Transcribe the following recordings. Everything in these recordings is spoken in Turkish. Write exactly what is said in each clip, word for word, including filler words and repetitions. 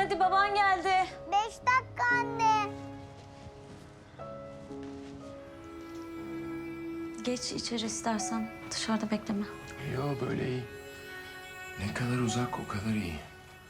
hadi baban geldi. Beş dakika anne. Geç içeri istersen. Dışarıda bekleme. Yo böyle iyi. Ne kadar uzak o kadar iyi.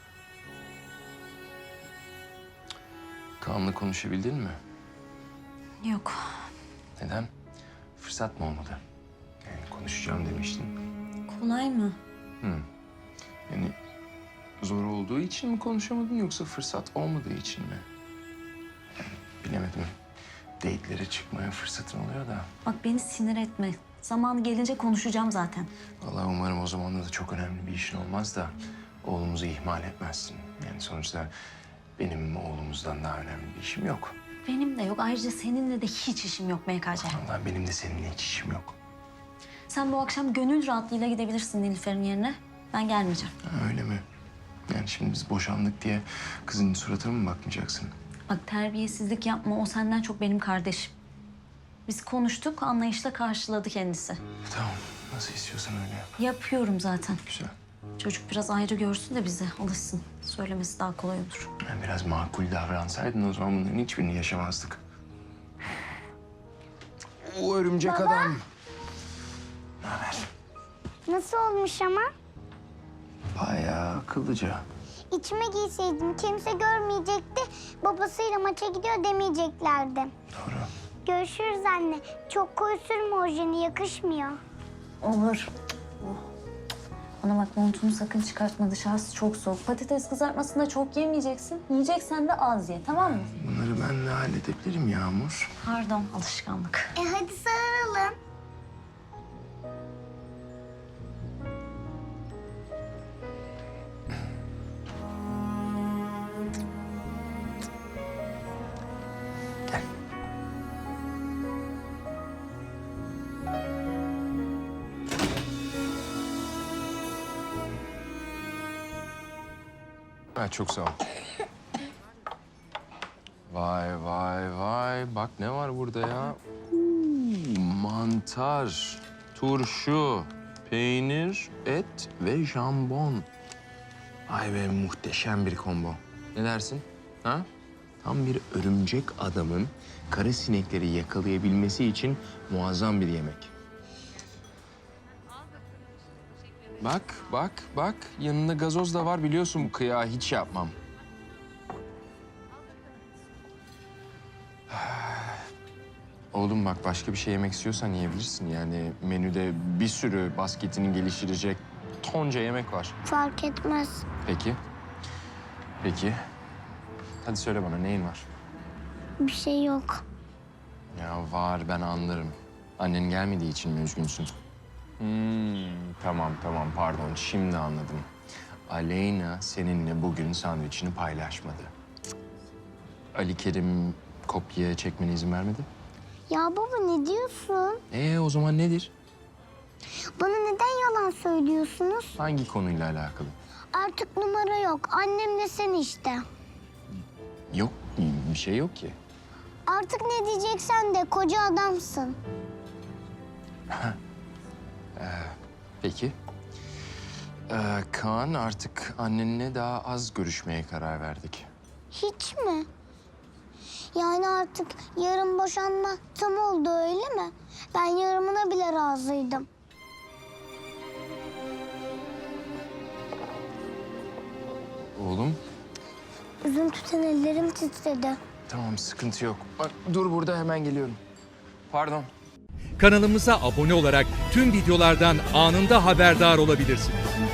Kaan'la konuşabildin mi? Yok. Neden? Fırsat mı olmadı? Yani konuşacağım demiştin. Kolay mı? Hı. Yani zor olduğu için mi konuşamadın yoksa fırsat olmadığı için mi? Yani bilemedim. Date'lere çıkmaya fırsatın oluyor da. Bak beni sinir etme. Zamanı gelince konuşacağım zaten. Vallahi umarım o zaman da çok önemli bir işin olmaz da oğlumuzu ihmal etmezsin. Yani sonuçta benim oğlumuzdan daha önemli bir işim yok. Benim de yok. Ayrıca seninle de hiç işim yok M K C. Vallahi benim de seninle hiç işim yok. Sen bu akşam gönül rahatlığıyla gidebilirsin Nilüfer'in yerine. Ben gelmeyeceğim. Ha, öyle mi? Yani şimdi biz boşandık diye kızın suratına mı bakmayacaksın? Bak terbiyesizlik yapma. O senden çok benim kardeşim. Biz konuştuk, anlayışla karşıladı kendisi. Tamam, nasıl istiyorsan öyle yap. Yapıyorum zaten. Güzel. Çocuk biraz ayrı görsün de bize alışsın. Söylemesi daha kolay olur. Yani biraz makul davransaydın o zaman bunların hiçbirini yaşamazdık. O örümcek Baba. adam. Ne haber? Nasıl olmuş ama? Bayağı akıllıca. İçime giyseydim kimse görmeyecekti. Babasıyla maça gidiyor demeyeceklerdi. Doğru. Görüşürüz anne. Çok koyu sürme ojeni, yakışmıyor. Olur. Oh. Bana bak montunu sakın çıkartma. Dışarısı çok soğuk. Patates kızartmasını da çok yemeyeceksin. Yiyeceksen de az ye, tamam mı? Bunları ben de halledebilirim Yağmur. Pardon, alışkanlık. E hadi sarılalım. Gel. Ha, çok sağ ol. Vay vay vay. Bak ne var burada ya? Uuu, mantar, turşu, peynir, et ve jambon. Ay be muhteşem bir combo. Ne dersin? Ha? Tam bir örümcek adamın kara sinekleri yakalayabilmesi için muazzam bir yemek. Bak, bak, bak. Yanında gazoz da var biliyorsun bu kıyağı hiç yapmam. Oğlum bak başka bir şey yemek istiyorsan yiyebilirsin. Yani menüde bir sürü basketini geliştirecek tonca yemek var. Fark etmez. Peki. Peki. Hadi söyle bana neyin var? Bir şey yok. Ya var ben anlarım. Annen gelmediği için mi üzgünsün? Hmm, tamam tamam pardon şimdi anladım. Aleyna seninle bugün sandviçini paylaşmadı. Ali Kerim kopya çekmene izin vermedi. Ya baba ne diyorsun? Ee o zaman nedir? Bana neden yalan söylüyorsunuz? Hangi konuyla alakalı? Artık numara yok. Annem de sen işte. Yok bir şey yok ki. Artık ne diyeceksen de koca adamsın. Peki. Ee, Kaan artık annenle daha az görüşmeye karar verdik. Hiç mi? Yani artık yarın boşanma tam oldu öyle mi? Ben yarımına bile razıydım. Oğlum Üzüntüden ellerim titredi. tamam sıkıntı yok. Bak dur burada hemen geliyorum. Pardon. Kanalımıza abone olarak tüm videolardan anında haberdar olabilirsiniz.